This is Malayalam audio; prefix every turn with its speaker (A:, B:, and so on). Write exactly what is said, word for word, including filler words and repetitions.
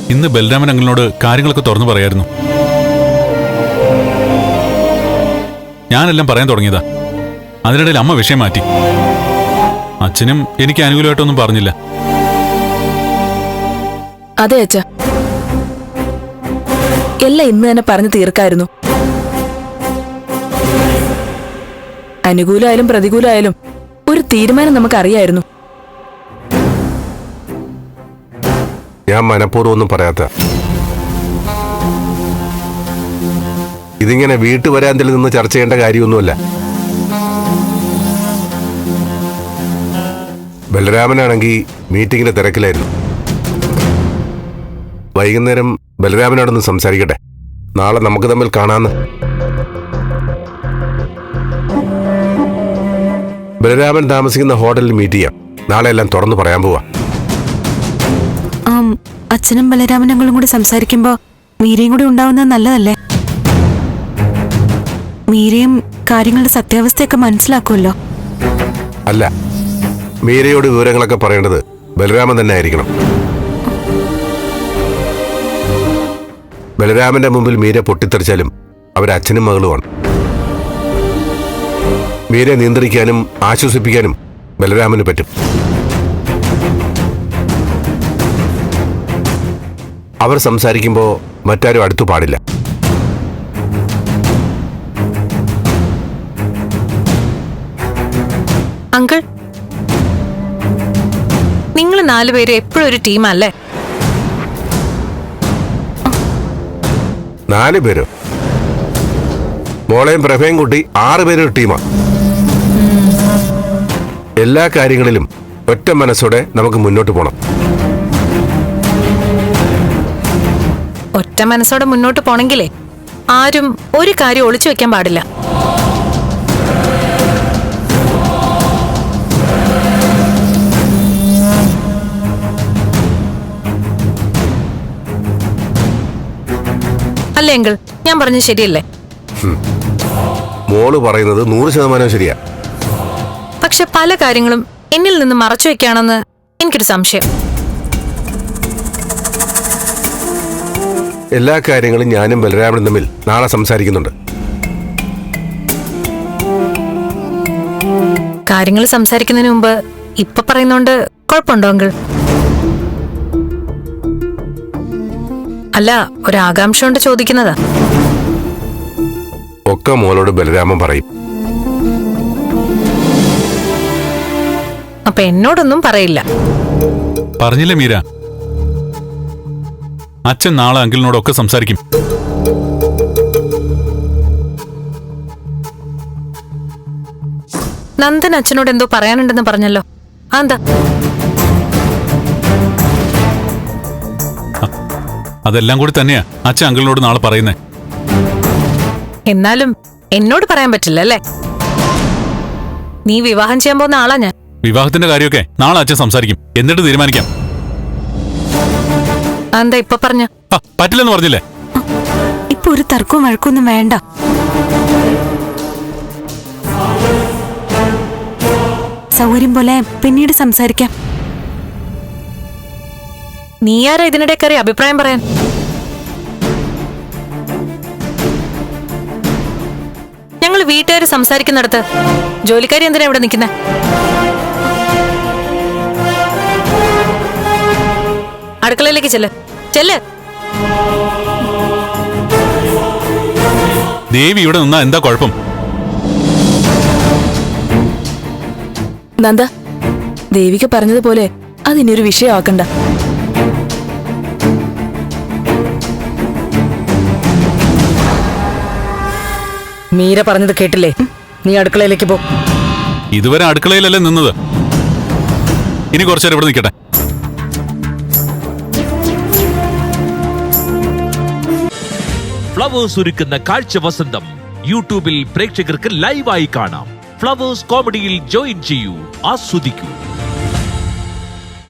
A: ഇന്ന് ബലരാമൻ അങ്കിളിനോട് കാര്യങ്ങളൊക്കെ തുറന്നു പറയായിരുന്നു. ഞാനെല്ലാം പറയാൻ തുടങ്ങിയതാ. അതിനിടയിൽ അമ്മ വിഷയം മാറ്റി. അച്ഛനും എനിക്ക് അനുകൂലമായിട്ടൊന്നും പറഞ്ഞില്ല.
B: അതെ അച്ഛ, എല്ലാം ഇന്ന് തന്നെ പറഞ്ഞു തീർക്കായിരുന്നു. അനുകൂലമായാലും പ്രതികൂലമായാലും ഒരു തീരുമാനം നമുക്കറിയായിരുന്നു.
C: ഞാൻ മനഃപൂർവ്വം ഒന്നും പറയാത്ത, ഇതിങ്ങനെ വീട്ടുവരാന്തലിൽ നിന്ന് ചർച്ച ചെയ്യേണ്ട കാര്യമൊന്നുമല്ല. ബലരാമനാണെങ്കിൽ മീറ്റിങ്ങിന്റെ തിരക്കിലായിരുന്നു. വൈകുന്നേരം ബലരാമനോടൊന്ന് സംസാരിക്കട്ടെ, നാളെ നമുക്ക് തമ്മിൽ കാണാന്ന്. ബലരാമൻ താമസിക്കുന്ന ഹോട്ടലിൽ മീറ്റ് ചെയ്യാം. നാളെ എല്ലാം തുറന്നു പറയാൻ പോവാ.
D: അച്ഛനും ബലരാമനങ്ങളും കൂടി സംസാരിക്കുമ്പോ മീരയും കൂടി ഉണ്ടാവുന്നത് നല്ലതല്ലേ? മീരയും കാര്യങ്ങളുടെ സത്യാവസ്ഥയൊക്കെ മനസ്സിലാക്കുമല്ലോ.
C: അല്ല, മീരയോട് വിവരങ്ങളൊക്കെ പറയേണ്ടത് ബലരാമൻ തന്നെ ആയിരിക്കണം. ബലരാമന്റെ മുമ്പിൽ മീര പൊട്ടിത്തെറിച്ചാലും അവരച്ഛനും മകളുമാണ്. മീരയെ നിയന്ത്രിക്കാനും ആശ്വസിപ്പിക്കാനും ബലരാമന് പറ്റും. അവർ സംസാരിക്കുമ്പോൾ മറ്റാരും അടുത്തു പാടില്ല.
E: അങ്കിൾ, നിങ്ങൾ നാലുപേരും എപ്പോഴും ഒരു ടീമല്ലേ?
C: നാല് പേരോ? മോളെയും പ്രഭയും കൂട്ടി ആറ് പേരൊരു ടീമാ. എല്ലാ കാര്യങ്ങളിലും ഒറ്റ മനസ്സോടെ നമുക്ക് മുന്നോട്ട് പോകണം.
E: ഒറ്റ മനസ്സോടെ മുന്നോട്ട് പോണെങ്കിലേ ആരും ഒരു കാര്യം ഒളിച്ചു വെക്കാൻ പാടില്ല. അല്ലേ അങ്കിൾ? ഞാൻ പറഞ്ഞത് ശരിയല്ലേ?
C: മോള് പറയുന്നത് നൂറ് ശതമാനം ശരിയാ.
E: പക്ഷെ പല കാര്യങ്ങളും എന്നിൽ നിന്ന് മറച്ചു വെക്കാണെന്ന് എനിക്കൊരു സംശയം.
C: എല്ലാ കാര്യങ്ങളും ഞാനും ബലരാമനും തമ്മിൽ നാളെ സംസാരിക്കുന്നുണ്ട്.
E: കാര്യങ്ങൾ സംസാരിക്കുന്നതിന് മുമ്പ് ഇപ്പൊ പറയുന്നോണ്ട് കുഴപ്പമുണ്ടോ അങ്കിൾ? അല്ല, ഒരാകാംക്ഷ കൊണ്ട് ചോദിക്കുന്നതാ.
C: ഒക്കെ മോളോട് ബലരാമൻ പറയും.
E: അപ്പൊ എന്നോടൊന്നും പറയില്ല.
A: പറഞ്ഞില്ലേ മീര, അച്ഛൻ നാളെ അങ്കിളിനോടൊക്കെ സംസാരിക്കും.
E: നന്ദൻ അച്ഛനോട് എന്തോ പറയാനുണ്ടെന്ന് പറഞ്ഞല്ലോ, അതെന്താ?
A: അതെല്ലാം കൂടി തന്നെയാ അച്ഛൻ അങ്കിളിനോട് നാളെ പറയുന്നേ.
E: എന്നാലും എന്നോട് പറയാൻ പറ്റില്ല അല്ലേ? നീ വിവാഹം ചെയ്യാൻ പോകുന്ന ആളാ ഞാൻ.
A: വിവാഹത്തിന്റെ കാര്യമൊക്കെ നാളെ അച്ഛൻ സംസാരിക്കും, എന്നിട്ട് തീരുമാനിക്കാം.
E: എന്താ ഇപ്പൊ പറഞ്ഞ?
A: പറ്റില്ലെന്ന് പറഞ്ഞില്ലേ?
D: ഇപ്പൊ ഒരു തർക്കവും വഴക്കൊന്നും വേണ്ട. സൗകര്യം പോലെ പിന്നീട് സംസാരിക്കാം.
E: നീ ആരാ ഇതിനിടെ കയറി അഭിപ്രായം പറയാൻ? ഞങ്ങൾ വീട്ടുകാർ സംസാരിക്കുന്നിടത്ത് ജോലിക്കാരി എന്തിനാ ഇവിടെ നിൽക്കുന്നെ? അടുക്കളയിലേക്ക് ചെല്ല്, ചെല്ല്.
A: ദേവി ഇവിടെ നിന്നാ എന്താ കുഴപ്പം?
B: നന്ദ, ദേവിക പറഞ്ഞതുപോലെ അതിനൊരു വിഷയമാക്കണ്ട.
F: മീര പറഞ്ഞത് കേട്ടില്ലേ? നീ അടുക്കളയിലേക്ക് പോ.
A: ഇതുവരെ അടുക്കളയിലല്ലേ നിന്നത്, ഇനി കുറച്ചേരം ഇവിടെ നിൽക്കട്ടെ.
G: ഫ്ലവേഴ്സ് ഒരുക്കുന്ന കാഴ്ച വസന്തം യൂട്യൂബിൽ പ്രേക്ഷകർക്ക് ലൈവായി കാണാം. ഫ്ലവേഴ്സ് കോമഡിയിൽ ജോയിൻ ചെയ്യൂ, ആസ്വദിക്കൂ.